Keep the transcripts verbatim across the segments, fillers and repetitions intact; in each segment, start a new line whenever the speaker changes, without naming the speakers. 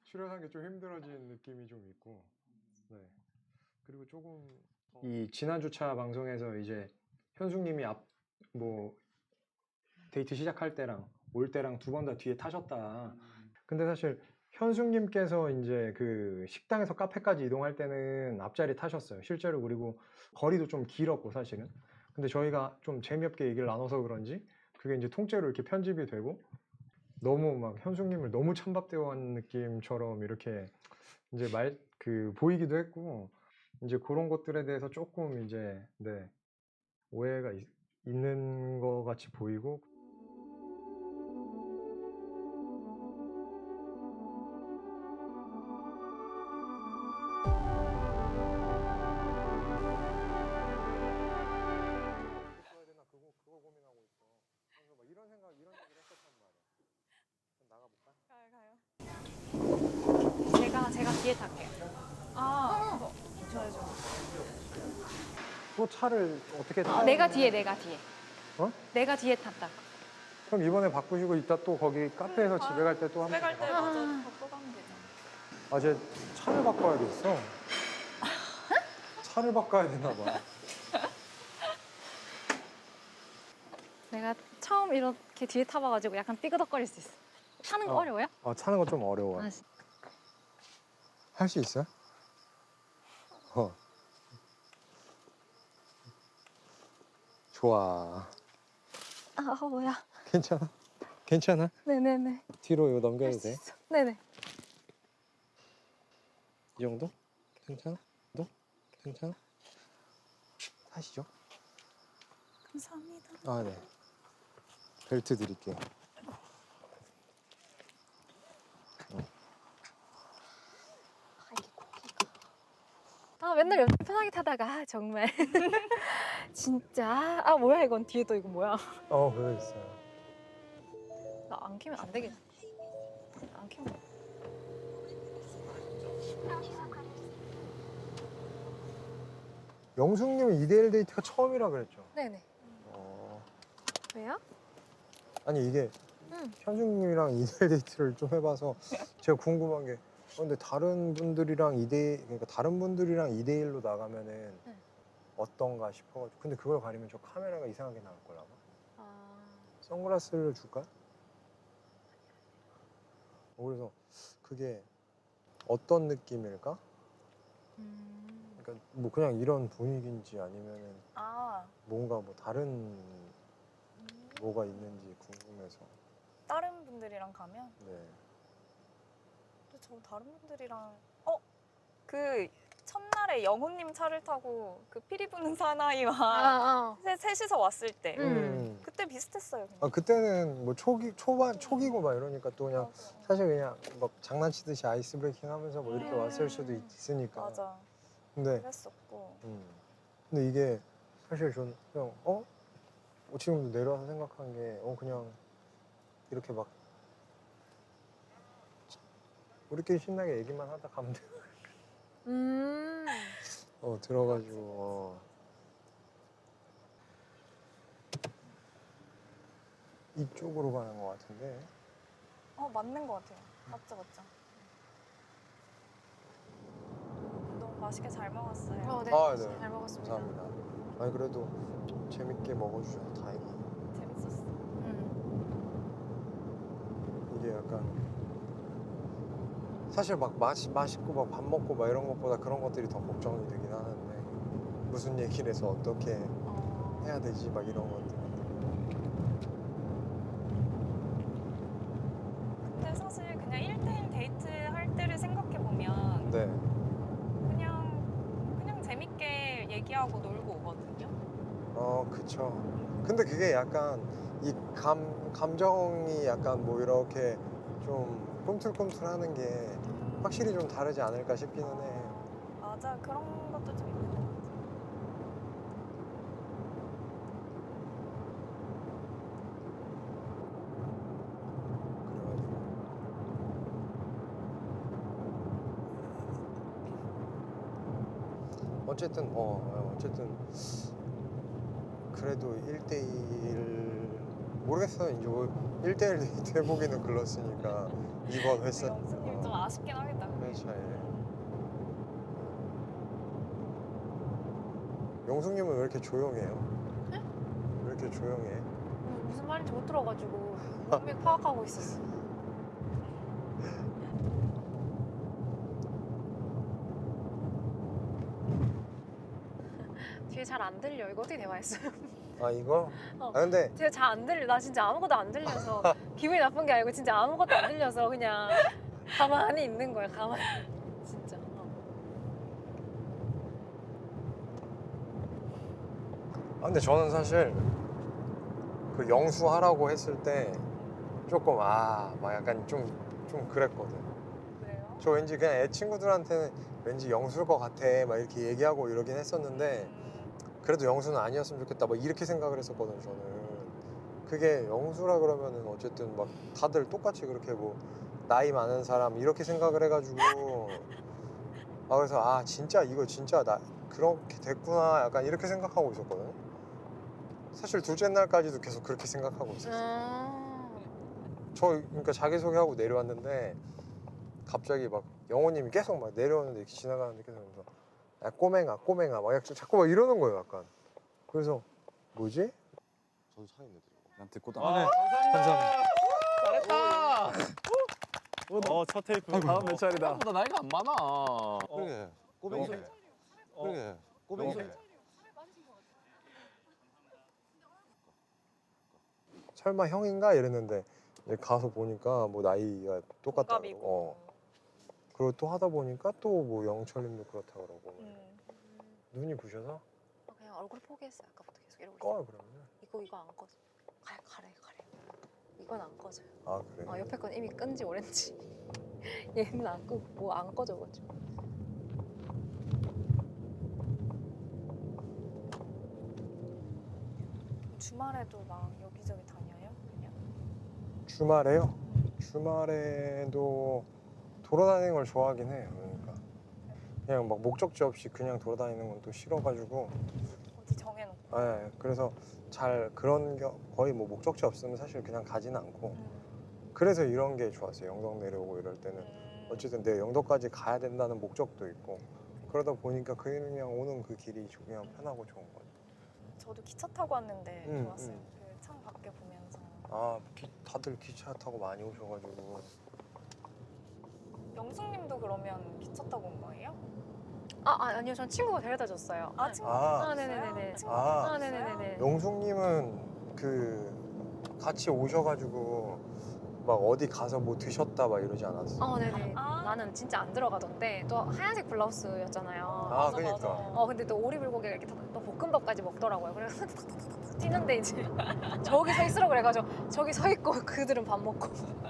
출연하기 좀 힘들어진 느낌이 좀 있고. 네. 그리고 조금 이 지난 주차 방송에서 이제 현숙님이 앞 뭐 데이트 시작할 때랑 올 때랑 두 번 다 뒤에 타셨다. 근데 사실 현숙님께서 이제 그 식당에서 카페까지 이동할 때는 앞자리 타셨어요. 실제로. 그리고 거리도 좀 길었고 사실은. 근데 저희가 좀 재미없게 얘기를 나눠서 그런지 그게 이제 통째로 이렇게 편집이 되고 너무 막 현숙님을 너무 찬밥대어한 느낌처럼 이렇게 이제 말 그 보이기도 했고 이제 그런 것들에 대해서 조금 이제 네 오해가 있, 있는 것 같이 보이고. 써야 되나 그거 그거 고민하고 있어. 그래서 막 이런 생각 이런 얘기를 했었단 말이야. 좀 나가볼까?
가요, 가요. 제가 제가 뒤에 탈게요. 아, 어, 좋아요, 좋아요.
또 차를 어떻게 타?
내가 뒤에, 내가 뒤에.
어?
내가 뒤에 탔다.
그럼 이번에 바꾸시고 이따 또 거기 카페에서
음,
집에 갈 때 또
집에
한번
갈 때
봐.
맞아, 바꿔 가면 되죠.
아, 쟤 차를 바꿔야겠어. 차를 바꿔야 되나 봐.
내가 처음 이렇게 뒤에 타봐가지고 약간 삐그덕거릴 수 있어. 타는 거
어.
어. 려워요?
어, 차는 거 좀 어려워.
아,
할 수 있어요? 어. 좋아.
아, 어, 뭐야.
괜찮아? 괜찮아?
네네네.
뒤로 이거 넘겨도
할 수
돼?
있어. 네네.
이 정도? 괜찮아? 너? 괜찮아? 타시죠?
감사합니다.
아, 네. 벨트 드릴게요.
아, 맨날 옆에 편하게 타다가 아, 정말 진짜 아 뭐야 이건 뒤에 또 이거 뭐야?
어, 그거 있어요.
나 안 키면 안 되겠네. 안 키면
영숙님은 이 대일 데이트가 처음이라 그랬죠?
네네.
어.
왜요?
아니, 이게
응.
현숙님이랑 이 대일 데이트를 좀 해봐서 제가 궁금한 게 어, 근데 다른 분들이랑 이 대 그러니까 다른 분들이랑 이 대일로 나가면은
응.
어떤가 싶어가지고. 근데 그걸 가리면 저 카메라가 이상하게 나올 거라고.
아,
선글라스를 줄까? 어, 그래서 그게 어떤 느낌일까?
음.
그러니까 뭐 그냥 이런 분위기인지 아니면은
아,
뭔가 뭐 다른 뭐가 있는지 궁금해서.
다른 분들이랑 가면?
네.
근데 저 다른 분들이랑 어? 그 첫날에 영호님 차를 타고 그 피리 부는 사나이와
아,
셋, 셋이서 왔을 때
음.
그때 비슷했어요. 그냥.
아, 그때는 뭐 초기 초반 초기고 막 이러니까 또 그냥
맞아.
사실 그냥 막 장난치듯이 아이스 브레이킹 하면서 뭐 이렇게
음.
왔을 수도 있, 있으니까.
맞아.
근데
그랬었고.
음. 근데 이게 사실 저는 그냥 어? 어, 지금도 내려와서 생각한 게 어 그냥 이렇게 막 우리끼리 신나게 얘기만 하다 가면 돼.
음.
어 들어가지고 어. 이쪽으로 가는 것 같은데.
어 맞는 것 같아요. 맞죠, 맞죠. 너무 맛있게 잘 먹었어요.
어, 네.
아, 네.
잘 먹었습니다.
감사합니다. 아니 그래도 재밌게 먹어주셔서 다행히.
재밌었어.
음.
이게 약간 사실 막 맛이 맛있고 막 밥 먹고 막 이런 것보다 그런 것들이 더 걱정이 되긴 하는데 무슨 얘기를 해서 어떻게
어...
해야 되지 막 이런 것들.
근데 사실 그냥 일 대일 데이트 할 때를 생각해 보면
네.
그냥 그냥 재밌게 얘기하고 놀고 오거든요.
어 그쵸. 근데 그게 약간 이 감 감정이 약간 뭐 이렇게 좀 꿈틀꿈틀하는 게 확실히 좀 다르지 않을까 싶기는 해.
맞아, 그런 것도 좀 있는 것 같아.
그래가지고 어쨌든 어 어쨌든 그래도 일 대일 모르겠어. 이제 뭐 일 대일 데이트 해보기는 글렀으니까 이번 회사
영수님 좀 아쉽긴 하겠다.
회 차이네. 영숙님은 왜 이렇게 조용해요?
네?
왜 이렇게 조용해?
음, 무슨 말인지 못 들어가지고 몸이 파악하고 있었어. 뒤에 잘 안 들려. 이거 어떻게 대화했어요?
아 이거?
어.
아 근데
제가 잘 안 들려. 나 진짜 아무것도 안 들려서 기분이 나쁜 게 아니고 진짜 아무것도 안 들려서 그냥 가만히 있는 거야. 가만히. 진짜. 어.
아 근데 저는 사실 그 영수 하라고 했을 때 조금 아 막 약간 좀 좀 그랬거든.
그래요?
저 왠지 그냥 애 친구들한테는 왠지 영수일 것 같아 막 이렇게 얘기하고 이러긴 했었는데
음,
그래도 영수는 아니었으면 좋겠다 막 이렇게 생각을 했었거든 저는. 그게 영수라 그러면은 어쨌든 막 다들 똑같이 그렇게 뭐 나이 많은 사람 이렇게 생각을 해가지고 아 그래서 아 진짜 이거 진짜 나 그렇게 됐구나 약간 이렇게 생각하고 있었거든. 사실 둘째 날까지도 계속 그렇게 생각하고 있었어.
음.
저 그러니까 자기소개하고 내려왔는데 갑자기 막 영호님이 계속 막 내려오는데 이렇게 지나가는데 계속 그러면서 야 꼬맹아 꼬맹아 막 약간 자꾸 막 이러는 거예요 약간. 그래서 뭐지?
저도 차였는데 난 듣고 다
아, 네.
감사합니다.
잘했다. 어, 첫 테이프. 다음 몇 차례다.
생각보다 나이가 안 많아. 그러게 꼬맹이.
영수- 어.
그러게 꼬맹이.
영수-
설마 형인가 이랬는데 이제 가서 보니까 뭐 나이가 똑같다고.
동갑이고.
어. 그리고 또 하다 보니까 또 뭐 영철님도 그렇다 그러고.
음.
눈이 부셔서
어, 그냥 얼굴 포기했어요. 아까부터 계속 이러고 있어.
꺼요 그러면.
이거 이거 안 꺼져. 가래 가래 가래. 이건 안 꺼져요.
아 그래.
어, 옆에 건 이미 끈지 오렌지. 얘는 안 끄고 뭐 안 꺼져가지고.
주말에도 막 여기저기 다녀요? 그냥?
주말에요? 주말에도 돌아다니는 걸 좋아하긴 해요. 그러니까 그냥 막 목적지 없이 그냥 돌아다니는 건 또 싫어가지고.
어디 정해놓고.
네, 그래서 잘 그런 겨, 거의 뭐 목적지 없으면 사실 그냥 가지는 않고.
음.
그래서 이런 게 좋았어요. 영덕 내려오고 이럴 때는
음.
어쨌든 내 영덕까지 가야 된다는 목적도 있고 그러다 보니까 그냥 오는 그 길이 그냥 편하고 좋은 거예요.
저도 기차 타고 왔는데
음,
좋았어요.
음.
그 창 밖에 보면서.
아 기, 다들 기차 타고 많이 오셔가지고.
영숙님도 그러면 기차 타고 온 거예요?
아, 아 아니요. 전 친구가 데려다 줬어요.
아 친구.
아.
아, 네네네네.
아.
아, 네네네네.
영숙님은 그 같이 오셔가지고 막 어디 가서 뭐 드셨다 막 이러지 않았어?
어, 네네.
아.
나는 진짜 안 들어가던데 또 하얀색 블라우스였잖아요.
아,
맞아,
그러니까.
맞아.
어 근데 또 오리불고기가 이렇게 또 볶음밥까지 먹더라고요. 그래서 뛰는데 이제 저기 서 있으라고 그래가지고 저기 서 있고 그들은 밥 먹고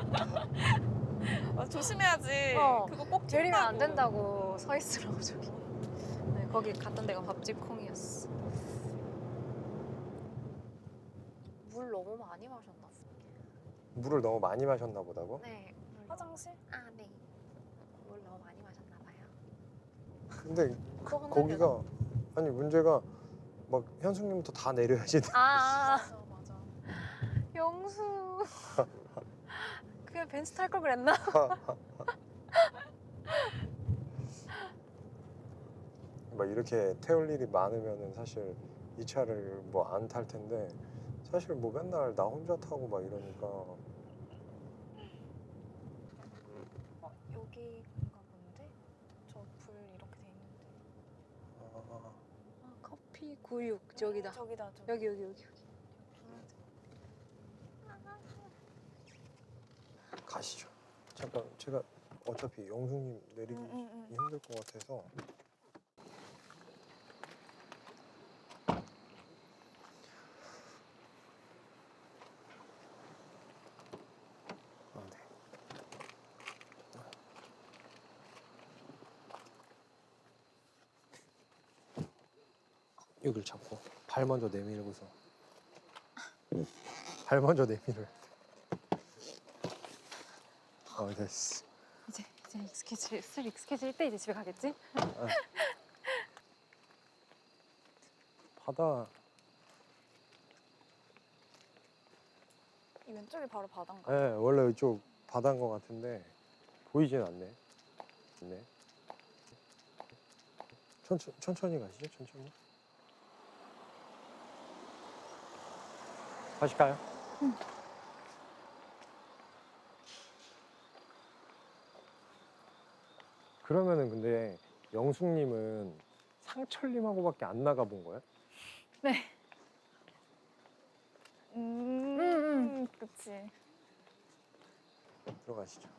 아, 조심해야지.
어,
그거 꼭
데리면 안
뛴다고.
된다고 서 있으라고 저기. 네, 거기 갔던 데가 밥집 콩이었어. 물 너무 많이 마셨나 보다.
물을 너무 많이 마셨나 보다고?
네. 물 너무-
화장실?
아 네. 물 너무 많이 마셨나 봐요.
근데
또 혼나려나?
거기가 아니 문제가 막 현숙님부터 다 내려야지.
아,
맞아 맞아.
영수. 그냥 벤츠 탈 걸 그랬나?
막 이렇게 태울 일이 많으면은 사실 이 차를 뭐 안 탈 텐데 사실 뭐 맨날 나 혼자 타고 막 이러니까.
어, 여기인가 본데? 저 불 이렇게 돼 있는데.
아,
아, 커피 구육 저기다.
저기다 저기.
여기 여기 여기.
가시죠. 잠깐 제가 어차피 영숙님 내리기
응, 응, 응.
힘들 것 같아서. 아, 네. 여기를 잡고 발 먼저 내밀고서 발 먼저 내밀어야 돼. 어 됐어.
이제 이제 익숙해질 슬 익숙해질 때 이제 집에 가겠지?
바다
이 왼쪽이 바로 바다인가?
네, 원래 이쪽 바다인 것 같은데 보이진 않네. 네. 천천, 천천히 가시죠, 천천히. 가실까요?
응.
그러면은 근데 영숙님은 상철님하고밖에 안 나가본 거야?
네.
음,
음,
그치.
들어가시죠.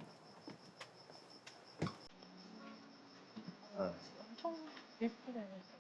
엄청 예쁘게 됐어.